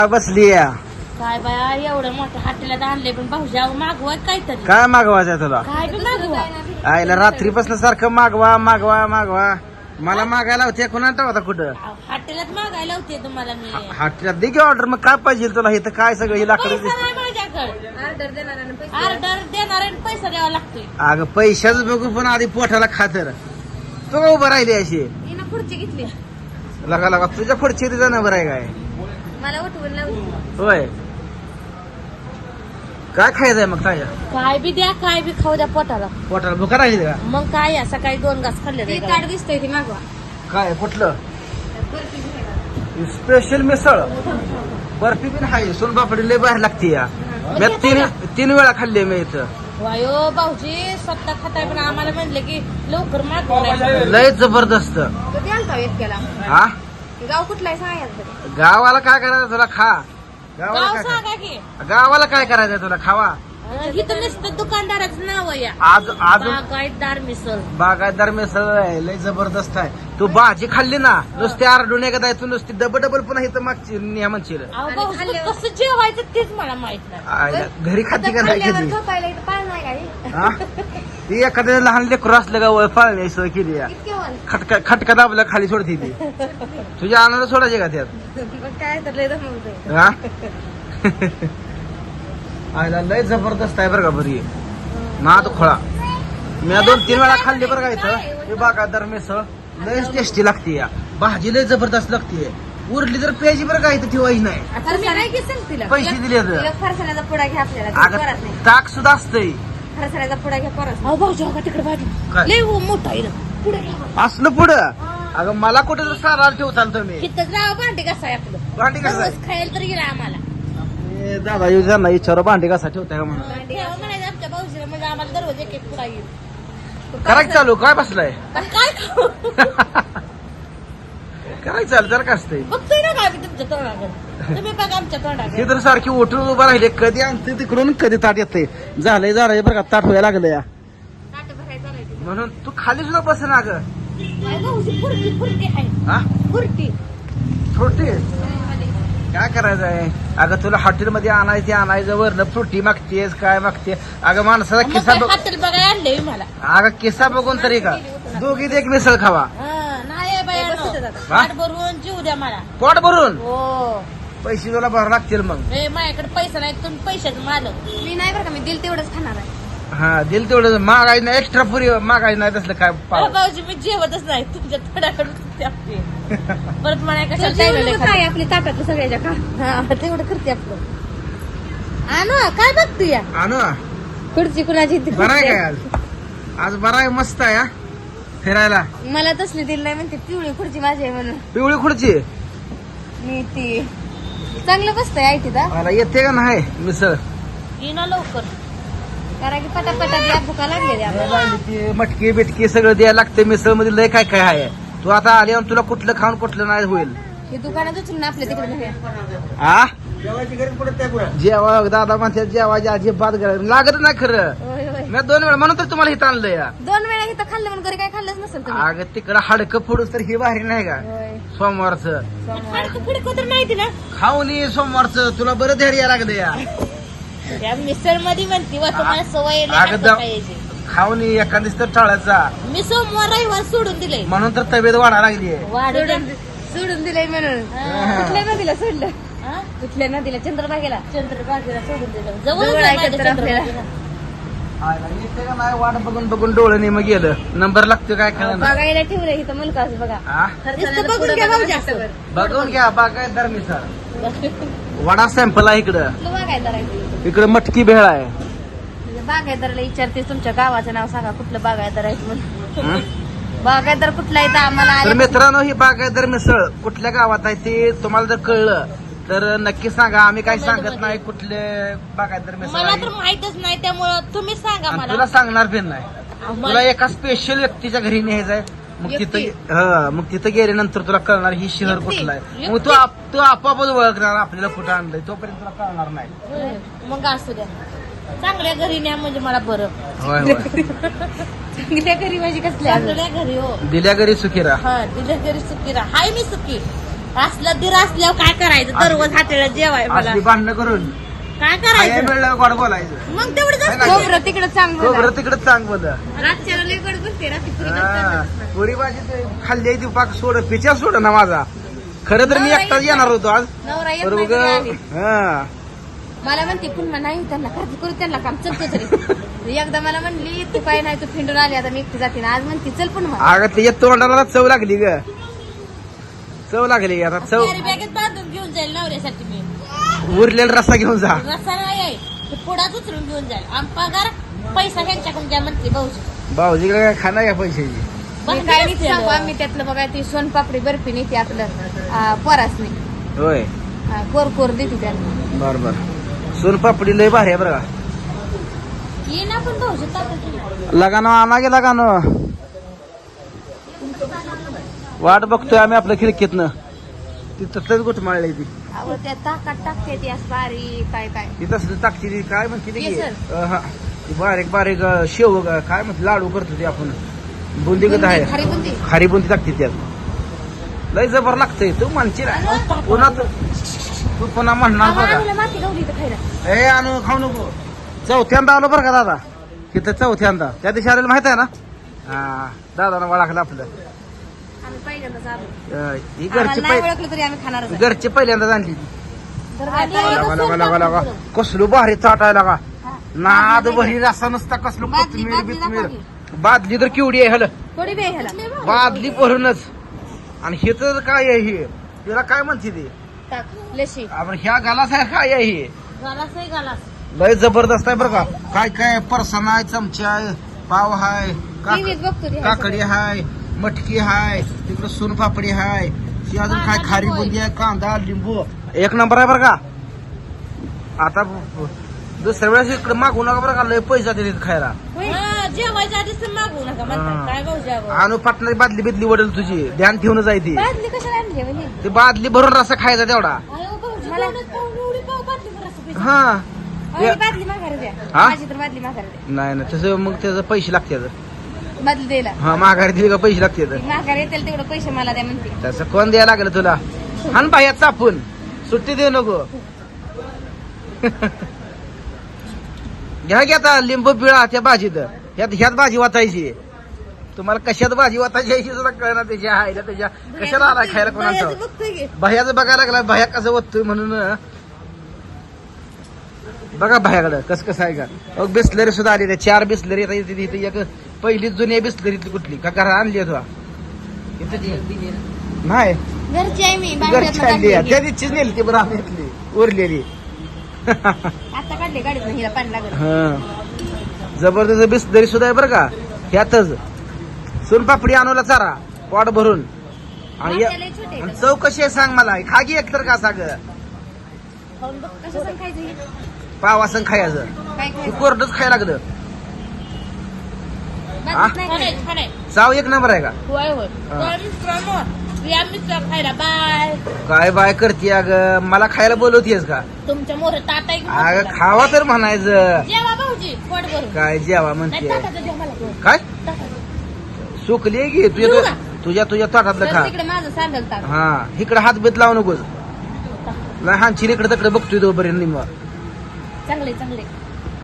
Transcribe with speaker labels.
Speaker 1: बसली या
Speaker 2: काय बाया एवढं मोठ्या हॉटेलात आणले पण भाऊजी अहो मागवा काहीतरी
Speaker 1: काय मागवायचंय तुला
Speaker 2: काय बी मागवा
Speaker 1: आईला रात्रीपासून सारखं मागवा मागवा मागवा मला मागायला होते कोणाला होता कुठं
Speaker 2: अहो, हॉटेलात मागायला होते तुम्हाला मी
Speaker 1: हॉटेलात दे की ऑर्डर मग काय पाहिजे तुला इथं काय सगळं हे लाकडं
Speaker 2: पैसा नाही माझ्याकडे ऑर्डर देणार आणि पैसा द्यावा लागतोय
Speaker 1: अगं पैशाच बघू पण आधी पोटाला खातर तू उभं राहिली अशी
Speaker 2: हिनं खुर्ची घेतली
Speaker 1: लगा लगा तुझ्या पुढची तिचं नंबर आहे काय
Speaker 2: मला उठवून लावली
Speaker 1: होय काय खायचंय मग काय
Speaker 2: काय बी द्या काय बी खाऊ द्या पोटाला
Speaker 1: पोटाला भुका राहिली का
Speaker 2: मग काय या सकाळी 2 घास खाल्ले कार्ड दिसतंय ती मागवा
Speaker 1: काय कुठलं स्पेशल मिसळ बर्फी पण हाय सोनपापडी लय बाहेर लागते या मी तीन वेळा खाल्ली मी इथं
Speaker 2: वायो भाऊजी स्वतः खाताय पण आम्हाला म्हणले की लवकर मागवा
Speaker 1: लय जबरदस्त
Speaker 2: कधी आलता इतक्याला
Speaker 1: हा
Speaker 2: गाव कुठला आहे सांगायचं
Speaker 1: गावाला काय करायचं तुला खा गावाला
Speaker 2: गाव
Speaker 1: काय
Speaker 2: सांगा की
Speaker 1: गावाला काय करायचंय तुला खावा
Speaker 2: इथं नुसतं दुकानदाराचं नाव आहे या
Speaker 1: आज आज
Speaker 2: बागायतदार मिसळ
Speaker 1: बागायतदार मिसळ आहे लय जबरदस्त आहे तू भाजी खाल्ली ना नुसती आरडून एकदा तू नुसती डबल डबल पुन्हा इथं मागची न्या म्हणशील
Speaker 2: अहो, भाऊजी, कसं जेवायचं तेच मला माहित नाही
Speaker 1: आईला घरी खाती का नाही कधी हा ती एखाद्या लहान लेकरू असलं का वळ पाळण्याची सोय केली या खटका दाबला खाली सोडती ती तुझ्या आनंद सोडायचे का त्यात
Speaker 2: काय तर लय दमवतंय.
Speaker 1: हा आईला लय जबरदस्त आहे बरं का बरी नाद खोळा मी 2-3 वेळा खाल्ली बरं का इथं हे बागायतदार मिसळ लय टेस्टी लागते या भाजी लय जबरदस्त लागते उरली तर प्यायची बरं का इथं ठेवायची नाही
Speaker 2: आता मी काय घेसेल तिला
Speaker 1: पैसे दिले तर
Speaker 2: फरसाण्याचा पुडा घ्या आपल्याला
Speaker 1: अगं ताक सुद्धा असतंय
Speaker 2: फरसाण्याचा पुडा घ्या परत अहो भाऊजी हो का तिकडे भाजी
Speaker 1: काय?
Speaker 2: लय मोठा आहे पुढे घ्या.
Speaker 1: असलं पुढं अगं मला कुठे तर सारा ठेवताल तुम्ही
Speaker 2: तिथं जावं भांडी कसं आहे आपलं
Speaker 1: भांडी कसं आहे?
Speaker 2: दररोज खायला तर गेला आम्हाला
Speaker 1: ए, दादा येऊ त्यांना विचारा भांडी कसा ठेवताय का म्हणून
Speaker 2: भांडी यावं म्हणायचं आमच्या भाऊजीला म्हणजे आम्हाला दररोज एक पुडा येईल
Speaker 1: कराय चालू काय बसलाय
Speaker 2: पण काय खाऊ
Speaker 1: कराय चालू जर का असतंय
Speaker 2: बघतोय ना काय मी तुमच्या तोंडाकडे तुम्ही बघा आमच्या तोंडाकडे
Speaker 1: हे तर सारखी उठून उभं राहिले कधी आणते तिकडून कधी ताट येते झालंय बरं का ताट व्हायला लागलं या
Speaker 2: ताटं भरायचं चालायचं.
Speaker 1: म्हणून तू खाली सुद्धा बस ना ग
Speaker 2: काय भाऊजी फुरटी आहे
Speaker 1: हा
Speaker 2: फुरटी
Speaker 1: फ्रुटी काय करायचं आहे अगं तुला हॉटेलमध्ये आणायचं वरनं फ्रुटी मागतेस काय मागते अगं माणसाचा किस्सा बघ
Speaker 2: हॉटेल बघायला आणले मला
Speaker 1: अगं किस्सा बघून तरी का दोघीत एक मिसळ खावा
Speaker 2: नाही बाया
Speaker 1: हा?
Speaker 2: पाठ भरून जीव द्या मला
Speaker 1: पोट भरून
Speaker 2: हो
Speaker 1: पैसे तुला भरावं लागतील मग
Speaker 2: ए माझ्याकडे पैसा नाही तुम्ही पैशाचं मालक मी नाही बरं का मी दिल तेवढंच खाणार आहे
Speaker 1: हा दिल तेवढं मागायचं नाही एक्स्ट्रा पुरी मागायचं नाही तसलं काय पाव
Speaker 2: भाऊजी मी जेवतच नाही तुमच्या तोंडाकडे परत मला कशाला आपली ताटात सगळ्याच्या का तेवढं करते आपलं आणू काय बघतो या
Speaker 1: आणू
Speaker 2: खुर्ची कुणाची
Speaker 1: बरं आहे काय आज आज बरं आहे मस्त आहे हा फिरायला
Speaker 2: मला तसली दिली नाही म्हणते पिवळी खुर्ची माझी आहे म्हणून
Speaker 1: पिवळी खुर्ची
Speaker 2: मी ती चांगलं बसतंय आयटी दा
Speaker 1: मला येते का नाही मिसळ
Speaker 2: ये ना लवकर कारण की पटापटा द्या भुका लागलेली आपल्याला
Speaker 1: ती मटकी बिटकी सगळं द्यायला लागते मिसळ मध्ये लय काय काय आहे तू आता आली आणि तुला कुठलं खाऊन कुठलं नाही होईल
Speaker 2: हे दुकानात उचलून आपल्या तिकडे नेऊया.
Speaker 1: आ जेव्हा दादा म्हणते जेवायची अजिबात गरज लागत नाही खरं
Speaker 2: होय होय
Speaker 1: मी 2 वेळा म्हणून तर तुम्हाला इथं आणलं या
Speaker 2: 2 वेळा इथं खाल्लं म्हणून घरी काय खाल्लंच नसेल तुम्ही
Speaker 1: अगं तिकडं हाडकं फोडूस तर ही भारी नाही का
Speaker 2: होय
Speaker 1: सोमवारचं
Speaker 2: पुढे कोतर माहिती ना
Speaker 1: खाऊन ये सोमवारचं तुला बरं धैर्य लागलं या
Speaker 2: त्या मिसळ मध्ये म्हणते वा तुम्हाला सवय
Speaker 1: अगं खाऊन ये एखाद दिवस तर टाळायचा
Speaker 2: मी सोमवार रविवार सोडून दिले
Speaker 1: म्हणून तर तब्येत वाढा लागली
Speaker 2: सोडून दिलंय म्हणून कुठल्या नदीला सोडलं कुठल्या नदीला चंद्रभागेला सोडून दिलं जवळ आपल्याला
Speaker 1: येते का नाही वाट बघून बघून डोळ्याने मग गेलं नंबर लागतो काय खेळ
Speaker 2: बघायला ठेवलंय इथं मुलगाच बघा नुसतं बघून घ्या भाऊ जास्त
Speaker 1: बघून घ्या बागायतदार मिसळ वडा सॅम्पल आहे इकडं
Speaker 2: बागायदार आहे
Speaker 1: इकडं मटकी भेळ आहे
Speaker 2: बागायदाराला विचारते तुमच्या गावाचं नाव सांगा कुठलं बागायदार आहे म्हणून बागायदार कुठला आहे तर आम्हाला
Speaker 1: तर मित्रांनो ही बागायतदार मिसळ कुठल्या गावात आहे ते तुम्हाला जर कळलं तर नक्की सांगा आम्ही काही सांगत नाही कुठले बागायतदार मिसळ
Speaker 2: मला
Speaker 1: आहे
Speaker 2: तर माहितच नाही त्यामुळं तुम्ही सांगा
Speaker 1: आणि
Speaker 2: मला
Speaker 1: तुला सांगणार पण नाही तुला एका स्पेशल व्यक्तीच्या घरी न्यायचंय मग तिथं गेल्यानंतर तुला कळणार ही शहर कुठलं आहे मग तू आपोआपच ओळखणार आपल्याला कुठं आणलंय तोपर्यंत तुला कळणार नाही
Speaker 2: मग असू द्या चांगल्या घरी न्या म्हणजे मला बरं
Speaker 1: होय होय
Speaker 2: चांगल्या घरी माझी कसल्या चांगल्या घरी हो
Speaker 1: दिल्या घरी सुखी राहा
Speaker 2: हा दिल्या घरी सुखी राहा हाय मी सुखी असलं दीर असल्यावर काय करायचं दररोज हाटेला जेवाय मला
Speaker 1: असली भांडणं करून
Speaker 2: काय
Speaker 1: काय
Speaker 2: करायचं
Speaker 1: मिळलं गोड बोलायचं
Speaker 2: मग तेवढंच
Speaker 1: काय
Speaker 2: असतं.
Speaker 1: नाही.
Speaker 2: खोबरं तिकडं चांगलं
Speaker 1: बरं तिकडे चांग बोल
Speaker 2: रातच्याला लई गडबड बसते रात्री पुरी करतात.
Speaker 1: पुरी भाजी खाल्ली आहे ती पाक सोड पिच्या सोड ना माझा खरं तर मी एकटाच येणार होतो आज
Speaker 2: नवरा येत
Speaker 1: बरं
Speaker 2: नाही
Speaker 1: उगा-
Speaker 2: घरी आली.
Speaker 1: हा
Speaker 2: मला म्हणते पुन्हा नाही त्यांना खर्च करू त्यांना काम चलतो तरी एकदा मला म्हणली तू काय नाही तू फिंडून आली आता मी एकटी जाते ना आज म्हणते चल पुन्हा
Speaker 1: अगं ते तोंडाला चव लागली ग चव लागली आता चव
Speaker 2: बॅगेत बांधून घेऊन जाईल नवऱ्यासाठी मी
Speaker 1: उरलेला रस्सा घेऊन जा
Speaker 2: रस्ता नाही आहे ते पुढाच उचलून घेऊन जाईल आम पगार पैसा ह्यांच्याकडून घ्या म्हणते भाऊजी
Speaker 1: भाऊजीकडे काय खाणार या पैशाची
Speaker 2: मी काय नाही सांगू आम्ही त्यातलं बघा ती सोनपापडी बर्फी नेते आपलं परासने
Speaker 1: होय
Speaker 2: कोर कोर देते त्यांना
Speaker 1: बर बर सोनपापडी लय भारी आहे बरं का
Speaker 2: ये ना पण भाऊजी ताकद
Speaker 1: लगानो आणा गे लगानो वाट बघतोय आम्ही आपल्या खिडकीतनं ती तसलंच गोट माळली ती
Speaker 2: अहो त्या ताकात टाकते ती असं बारीक काय काय
Speaker 1: ती तसलं टाकते ती काय म्हणते ती
Speaker 2: केसर.
Speaker 1: हा ती बारीक बारीक शेव काय म्हणते लाडू करतो ते आपण बुंदी गत आहे
Speaker 2: खारी बुंदी
Speaker 1: खारी बुंदी टाकते त्यात लय जबर लागतंय तू म्हणशील पुन्हा तू पुन्हा म्हणणार बघा
Speaker 2: आम्हाला माती गवली तर खायला
Speaker 1: ए आणू खाऊ नको चौथ्यांदा आलो बरं का दादा तिथं चौथ्यांदा त्या दिवशी आलेलं माहित आहे ना हा दादानं वळखलं आपलं
Speaker 2: आम्ही पहिल्यांदाच आलो
Speaker 1: ही
Speaker 2: आम्हाला
Speaker 1: घरची
Speaker 2: नाही ओळखलं तरी आम्ही खाणारच आहे.
Speaker 1: घरची पहिल्यांदा आणली ती
Speaker 2: तर काय
Speaker 1: लगा लगा लगा लगा कसलो भारी चाटायला का नाद भरी रसा नसता कसलो
Speaker 2: बादली,
Speaker 1: कोथमीर
Speaker 2: बादली
Speaker 1: बिथमीर
Speaker 2: दाखव
Speaker 1: बादली तर केवढी आहे हल
Speaker 2: थोडी बे ह्याला
Speaker 1: बादली भरूनच आणि हे तर काय आहे हे तिला काय म्हणते ते
Speaker 2: टाक लशी
Speaker 1: आपण ह्या गालास आहे काय आहे हे
Speaker 2: गालास आहे गालास
Speaker 1: लय जबरदस्त आहे बरं का काय काय परसन आहे चमचा आहे पाव हाय
Speaker 2: टीव्हीत बघतो ते
Speaker 1: काकडी हाय मटकी हाय तिकडे सोनपापडी हाय ती अजून काय खारी बुंदी आहे कांदा लिंबू एक नंबर आहे बरं का आता दुसऱ्या वेळेस इकडे मागू नका बरं का लय पैसा दिले खायला
Speaker 2: जेवायच्या आधीच मागू नका म्हणतात काय भाऊ जेवा
Speaker 1: आणू पाटणारी बादली बिदली वडेल तुझी ध्यान ठेवून जाय ती
Speaker 2: बादली कशाला आणली म्हणजे
Speaker 1: ती बादली भरून रसा खायचा तेवढा
Speaker 2: मला एवढी पाव बादली भर असं पैसे.
Speaker 1: हा
Speaker 2: अहो, ही बादली माघारी द्या
Speaker 1: हा?
Speaker 2: माझी तर बादली माघारी द्या
Speaker 1: नाही ना तसं मग त्याचं पैसे लागतात
Speaker 2: बादली द्यायला
Speaker 1: हा माघारी दिली का पैसे लागतात
Speaker 2: ती माघारी येतील तेवढं पैसे मला द्या म्हणते
Speaker 1: तसं कोण द्यायला लागलं तुला हान बाह्यात चापून सुट्टी देऊ नको घ्या आता लिंबू पिळा त्या भाजीत ह्यात भाजी वाचायची तुम्हाला कशात भाजी वाचायची याची सुद्धा कळणार त्याच्या आईला त्याच्या कशाला आला खायला कोणाचं
Speaker 2: बायाचं बघतोय की.
Speaker 1: बाह्याचं बघायला लागला बाह्या कसं वाटतोय म्हणून बघा बाह्याकडं कसं कसं आहे का बिस्लरी सुद्धा आली 4 बिस्लरी इथे एक पहिली जुनी बिस्लरीतली कुठली का घरात आणली आहे तुला नाही
Speaker 2: घरची आहे मी
Speaker 1: घरची आणली आहे. त्या दिवशीच नेली ती बरं आम्ही इथली उरलेली
Speaker 2: आता काढले गाडीत हिला पाणी लागलं
Speaker 1: हा जबरदस्त बिस्लरी सुद्धा आहे बरं का ह्यातच सोनपापडी आणूला चारा पोट भरून आणि
Speaker 2: आपल्याला छोटे आहेत.
Speaker 1: आणि चव कशी आहे सांग मला खा की एकतर का सांग
Speaker 2: खाऊन बघ कसं पण खायचं हे?
Speaker 1: पावासंग खायचं
Speaker 2: काय खायचं
Speaker 1: कोरडच खायला लागलं हा?
Speaker 2: बादलीत नाही खायचं.
Speaker 1: चाव एक नंबर आहे का
Speaker 2: होय होय
Speaker 1: हा.
Speaker 2: तर मित्रांनो, या मित्र खायला बाय
Speaker 1: काय बाय करते अग मला खायला बोलवतेस का
Speaker 2: तुमच्या मोर ताटा एक
Speaker 1: अग खावा तर म्हणायचं
Speaker 2: जेवा भाऊजी पोट भरून
Speaker 1: काय जेवा
Speaker 2: नाही
Speaker 1: म्हणते
Speaker 2: ताटाचं जेवा मला पोट.
Speaker 1: काय
Speaker 2: ताटाचं.
Speaker 1: सुकली की
Speaker 2: जेवू का?
Speaker 1: तुझ्या ताटातलं
Speaker 2: तर
Speaker 1: खा
Speaker 2: तिकडे माझं सांगल ताट
Speaker 1: हा इकडे हात बेत लावू नकोस लहान चिलीकडे तिकडे बघतोय तो बरे निम्मा
Speaker 2: चांगले चांगले